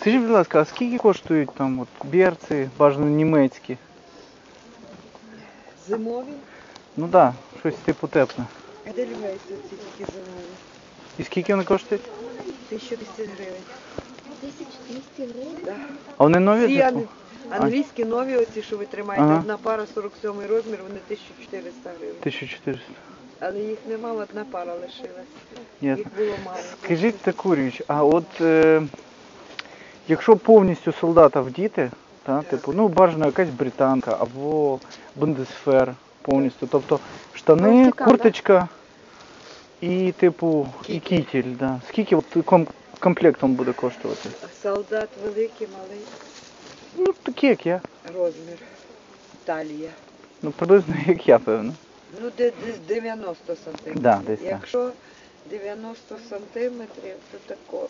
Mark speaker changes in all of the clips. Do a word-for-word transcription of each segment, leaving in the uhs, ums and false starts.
Speaker 1: Скажіть, будь ласка, а скільки коштують там от берці, бажано німецькі?
Speaker 2: Зимові?
Speaker 1: Ну так, да, щось типу тепле.
Speaker 2: А де люблять ці тільки зимові?
Speaker 1: І скільки вони коштують?
Speaker 2: тисяча двісті гривень.
Speaker 3: тисяча двісті гривень?
Speaker 2: Да.
Speaker 1: А вони нові?
Speaker 2: Ці
Speaker 1: Типу?
Speaker 2: ан- англійські нові, оці, що ви тримаєте,
Speaker 1: Ага.
Speaker 2: одна пара сорок сьомий розмір, вони тисяча чотириста гривень.
Speaker 1: тисяча чотириста.
Speaker 2: Але їх нема, одна пара лишилась.
Speaker 1: Ясно.
Speaker 2: Їх було мало.
Speaker 1: Скажіть таку річ, а от е, якщо повністю солдата вдіти, та, типу, ну бажано якась британка або бундесфер повністю, тобто штани,
Speaker 3: Мультикам,
Speaker 1: курточка і типу і кітель, да. Скільки от ком- комплектом буде коштувати?
Speaker 2: Солдат великий, малий
Speaker 1: Ну такі як я.
Speaker 2: розмір. Талія.
Speaker 1: Ну приблизно як я, певно.
Speaker 2: Ну, де- десь дев'яносто сантиметрів.
Speaker 1: Да, десь так.
Speaker 2: Якщо дев'яносто сантиметрів, то тако.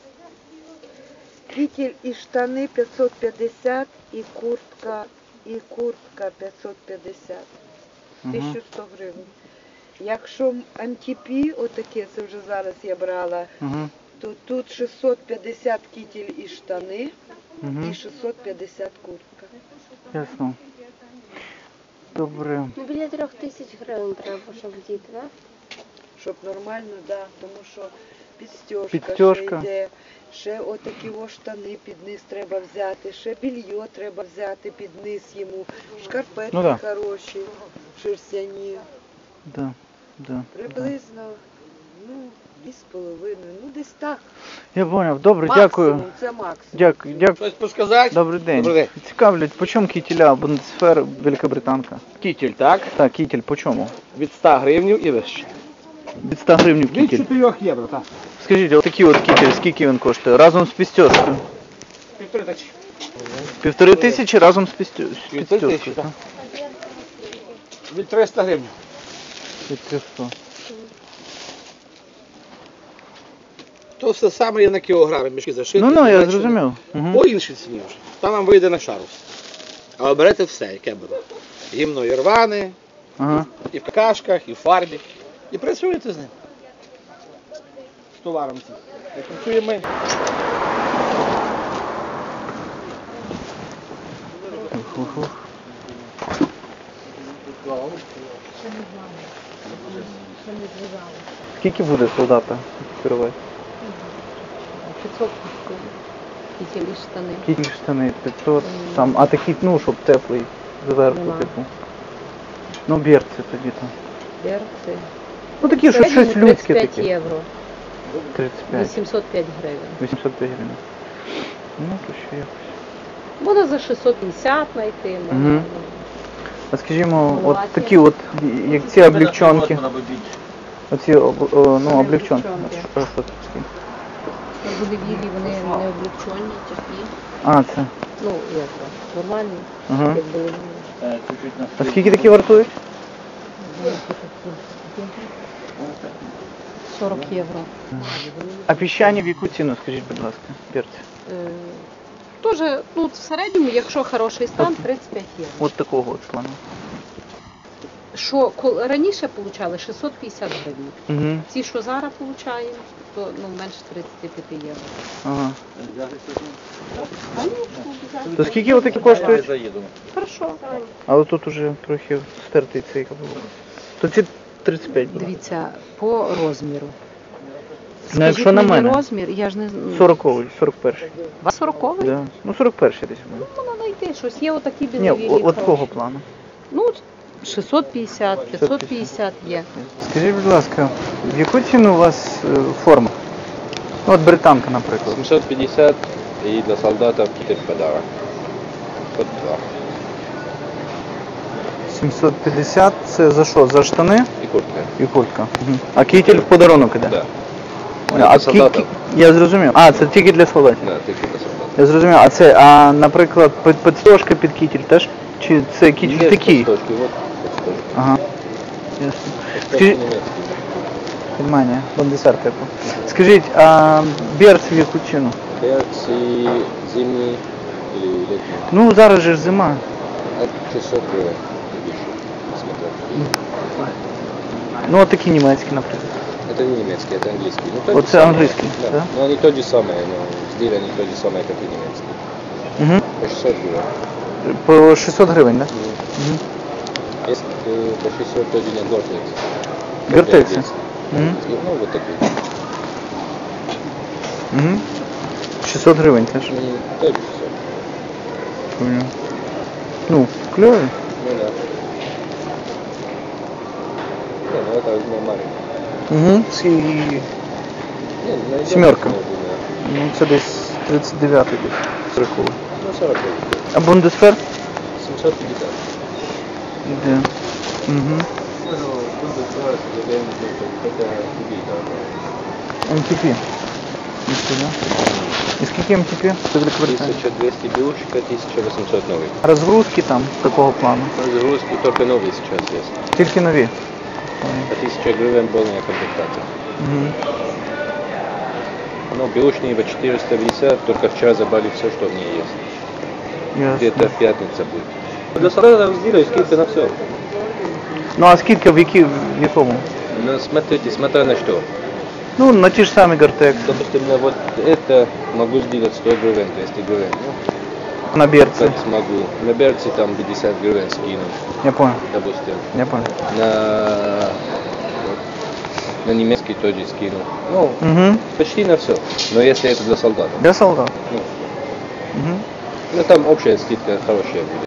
Speaker 2: Кітель і штани п'ятсот п'ятдесят, і куртка, і куртка п'ятсот п'ятдесят.
Speaker 1: Мгм.
Speaker 2: тисяча сто гривень. Якщо антипі, отаке, це вже зараз я брала,
Speaker 1: Угу.
Speaker 2: то тут шістсот п'ятдесят кітель і штани,
Speaker 1: Угу.
Speaker 2: і шістсот п'ятдесят куртка.
Speaker 1: Ясно. Добре.
Speaker 3: Ну, біля трьох тисяч гривень треба, щоб діти, так?
Speaker 2: Щоб нормально, да, тому що підстежка,
Speaker 1: Підстежка.
Speaker 2: ще йде, ще отакі о штани під низ треба взяти, ще більйо треба взяти під низ йому, шкарпетки
Speaker 1: Ну да.
Speaker 2: хороші, шерстяні.
Speaker 1: Да. Да. Да.
Speaker 2: Приблизно, ну, дві з половиною, ну десь так.
Speaker 1: Я зрозумів. Добре,
Speaker 2: Максимум,
Speaker 1: дякую.
Speaker 2: це максимум.
Speaker 1: Дякую. Дякую.
Speaker 4: Щось посказати?
Speaker 1: Добрий день.
Speaker 4: Добрий день.
Speaker 1: Цікавлять, по чому кітеля бундесфер Великобританка?
Speaker 4: Кітель, так?
Speaker 1: Так, кітель по чому?
Speaker 4: Від ста гривнів і вище.
Speaker 1: Від ста гривень
Speaker 4: Від
Speaker 1: кітель.
Speaker 4: чотирьох євро, так.
Speaker 1: Скажіть, от такий от кітель, скільки він коштує? Разом з підстежкою?
Speaker 4: Півтори тисячі.
Speaker 1: Півтори тисячі разом з підстю- з
Speaker 4: Півтори тисячі,
Speaker 1: підстежкою.
Speaker 4: так.
Speaker 1: так?
Speaker 4: Від триста гривень.
Speaker 1: Від триста.
Speaker 4: То все саме є на кілограми, мішки зашиті.
Speaker 1: Ну, ну, я
Speaker 4: бачите?
Speaker 1: зрозумів. Угу.
Speaker 4: По іншій ціні вже. Там вам вийде на шарус. Але берете все, яке буде. Гімно і рване,
Speaker 1: Ага.
Speaker 4: і в какашках, і в фарбі. І працюєте з ним. З товаром цим. Як працюємо ми.
Speaker 1: Ух-ух-ух. Скільки буде солдата керувати?
Speaker 3: п'ятсот кітель і штани.
Speaker 1: Кітель штани п'ятсот, там, а такі, ну, щоб теплий зверху,
Speaker 3: Нема.
Speaker 1: типу. Ну, берці тоді там.
Speaker 3: Берці.
Speaker 1: Ну такі, що щось людське
Speaker 3: тридцять п'ять
Speaker 1: таке.
Speaker 3: євро.
Speaker 1: тридцять п'ять.
Speaker 3: вісімсот п'ять гривень.
Speaker 1: вісімсот п'ять гривень. Ну, то ще якось.
Speaker 3: Можна за шістсот п'ятдесят знайти. можна.
Speaker 1: Мгм. А скажімо, от
Speaker 3: Маловаті.
Speaker 1: такі от, як ці облегчонки. Оці, об- о, ну, облегчонки.
Speaker 3: облегчонки. На Болівілі вони не облегчені, такі.
Speaker 1: А, це.
Speaker 3: Ну, як то, нормальні,
Speaker 1: Ага.
Speaker 3: як Болівілі.
Speaker 1: А скільки такі вартують?
Speaker 3: сорок євро.
Speaker 1: А піщані в яку ціну, скажіть, будь ласка, берці?
Speaker 3: Е, Тоже, ну, в середньому, якщо хороший стан, тридцять п'ять євро.
Speaker 1: От такого от плану.
Speaker 3: Що кол- раніше отримали шістсот п'ятдесят гривень.
Speaker 1: Угу.
Speaker 3: Ці, що зараз отримуємо, то ну, менше тридцять п'ять євро.
Speaker 1: Ага. То скільки отакі коштують?
Speaker 3: Хорошо.
Speaker 1: Але тут уже трохи стертий цей каблук. То ці тридцять п'ять буде.
Speaker 3: Дивіться, по розміру.
Speaker 1: Ну, якщо на
Speaker 3: мені
Speaker 1: мене.
Speaker 3: розмір, я ж не знаю.
Speaker 1: сороковий, сорок перший.
Speaker 3: У вас сороковий?
Speaker 1: Да. Ну, сорок перший десь буде.
Speaker 3: Можна знайти щось. Є отакі
Speaker 1: Ні,
Speaker 3: білові.
Speaker 1: о- от такого плану.
Speaker 3: Ну, шістсот п'ятдесят, п'ятсот п'ятдесят є.
Speaker 1: Скажіть, будь ласка, в яку ціну у вас е, форма? Ну, от британка, наприклад.
Speaker 5: семьсот пятьдесят и для солдата китель подарок. Вот два.
Speaker 1: сімсот п'ятдесят це за що? За штани
Speaker 5: И куртка.
Speaker 1: і куртка. Угу. А кітель в подарунок іде?
Speaker 5: Да.
Speaker 1: А
Speaker 5: Для
Speaker 1: кі-
Speaker 5: солдата.
Speaker 1: кі- Я зрозумів. А, це тільки для солдатів.
Speaker 5: Да, только для солдата.
Speaker 1: Я зрозумів. А це, а, наприклад, під- підстежка під кітель теж? Чи це кітель
Speaker 5: Есть
Speaker 1: такий?
Speaker 5: подстежки, вот подстежки.
Speaker 1: Ага. Ясно.
Speaker 5: Подстежки
Speaker 1: Скажіть,
Speaker 5: немецкие.
Speaker 1: Германія, бандесар типу. Скажіть, а берці в яку ціну?
Speaker 5: Берцы зимние или летние.
Speaker 1: Ну, зараз же ж зима.
Speaker 5: От шестьсот гривен и выше. Смотря.
Speaker 1: Ну, от такі німецькі, наприклад.
Speaker 5: Это не немецкий, это английский. Ну, тот
Speaker 1: Вот
Speaker 5: же
Speaker 1: это
Speaker 5: самый.
Speaker 1: английский, да?
Speaker 5: Но они тот же самый, но сделаны тот же самый, как и немецкий.
Speaker 1: Угу.
Speaker 5: По шестьсот гривен.
Speaker 1: По шістсот гривень, так? Да? Угу.
Speaker 5: Есть э, по шестьсот тоже не Гортекс.
Speaker 1: Гортекси. Угу.
Speaker 5: Ну, вот такой.
Speaker 1: Угу. шістсот гривень теж.
Speaker 5: Ну, тоже все.
Speaker 1: Понял. Ну, кльові.
Speaker 5: Ну да. Не, ну это нормально.
Speaker 1: Угу. І,
Speaker 5: Не, ну,
Speaker 1: Семерка.
Speaker 5: я думаю,
Speaker 1: ну, це десь тридцать дев'ятий десь. Рахую.
Speaker 5: Ну, сорок гривен.
Speaker 1: А Бундесфер?
Speaker 5: семьсот пятьдесят.
Speaker 1: Де? Угу.
Speaker 5: Ну, буду сорок, я не знаю, это тебе, да.
Speaker 1: ем ті пі. Ніхто, да? І скільки ем ті пі? Це Великобританія.
Speaker 5: тысяча двести бюшка, тысяча восемьсот новый.
Speaker 1: Розгрузки там такого плану?
Speaker 5: Загрузки только новые сейчас есть.
Speaker 1: Тільки нові.
Speaker 5: По тысяча гривен полная комплектация.
Speaker 1: Угу.
Speaker 5: Ну, бэушные по четыреста пятьдесят, только вчера забрали все, что в ней есть. Где-то
Speaker 1: Ясно.
Speaker 5: в пятницу будет. Для солдатов сделаю скидка на все.
Speaker 1: Ну а скільки в, які, в якому?
Speaker 5: Ну, смотрите, смотря на что.
Speaker 1: Ну, на ті ж самі Гортекс.
Speaker 5: Допустим, на вот это могу сделать сто гривен, двести гривен. Ну,
Speaker 1: На берці.
Speaker 5: как смогу. На берце там пятьдесят гривен скину,
Speaker 1: Я понял,
Speaker 5: допустим.
Speaker 1: я понял.
Speaker 5: На, на немецкий тоже скину. Ну,
Speaker 1: Угу.
Speaker 5: почти на все. Но если это для солдата.
Speaker 1: Для солдат.
Speaker 5: Ну,
Speaker 1: Угу.
Speaker 5: ну там общая скидка хорошая будет.